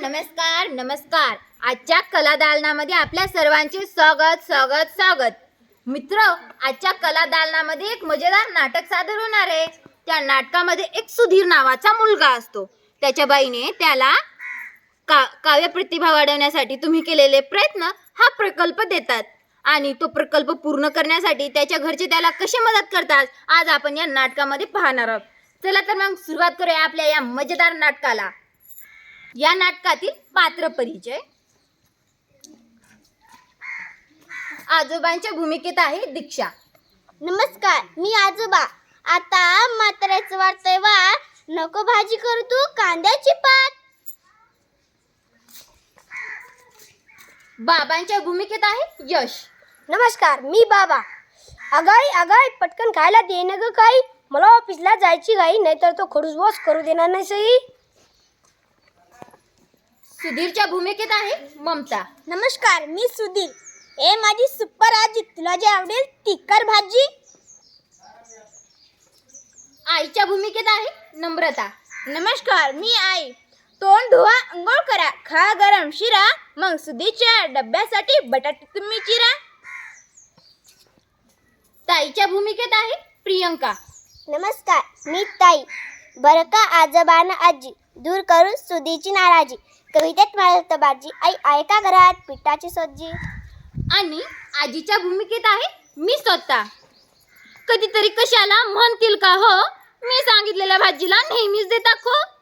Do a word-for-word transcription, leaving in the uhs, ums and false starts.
नमस्कार नमस्कार आजच्या कला दालनामध्ये आपल्या सर्वांचे स्वागत स्वागत स्वागत मित्र आजच्या कला दालनामध्ये एक मजेदार नाटक सादर होणार आहे। त्या नाटकामध्ये एक सुधीर नावाचा मुलगा असतो। त्याच्या बाईने त्याला का काव्य प्रतिभा वाढवण्यासाठी तुम्ही केलेले प्रयत्न हा प्रकल्प देतात आणि तो प्रकल्प पूर्ण करण्यासाठी त्याच्या घरचे त्याला कशी मदत करतात आज आपण या नाटकामध्ये पाहणार आहोत। चला तर मग सुरुवात करूया आपल्या या मजेदार नाटकाला। या नाटकातील पात्र परिचय। आजोबांच्या भूमिकेत आहे दीक्षा। नमस्कार, मी आजोबा। आता म्हाताऱ्याचं वाटतंय वा नको भाजी करू तू कांद्याची पात। बाबांच्या भूमिकेत आहे यश। नमस्कार, मी बाबा। अगाई अगाई पटकन खायला दे ना ग काही, मला ऑफिसला जायची घाई, नाहीतर तो खडूस बॉस करू देणार नाही सही। सुधीरच्या भूमिकेत आहे ममता। नमस्कार, मी सुधीर। ए माझी सुपर आजी, तुला जे आवडेल तिखट भाजी। आईच्या भूमिकेत आहे नम्रता। नमस्कार, मी आई। तोंड धुवा, अंघोळ करा, खा गरम शिरा, मग सुधीच्या डब्यासाठी बटाटे तुम्ही चिरा। ताईच्या भूमिकेत आहे प्रियंका। नमस्कार, मी ताई। बरं का आजोबांना आजी, दूर करून सुधीची नाराजी, कवितेत माळत बाजी, आई आहे का घरात पिठाची सज्जी। आणि आजीच्या भूमिकेत आहे मी स्वतः। कधीतरी कशाला म्हणतील का हो, मी सांगितलेल्या भाजीला नेहमीच देता खो।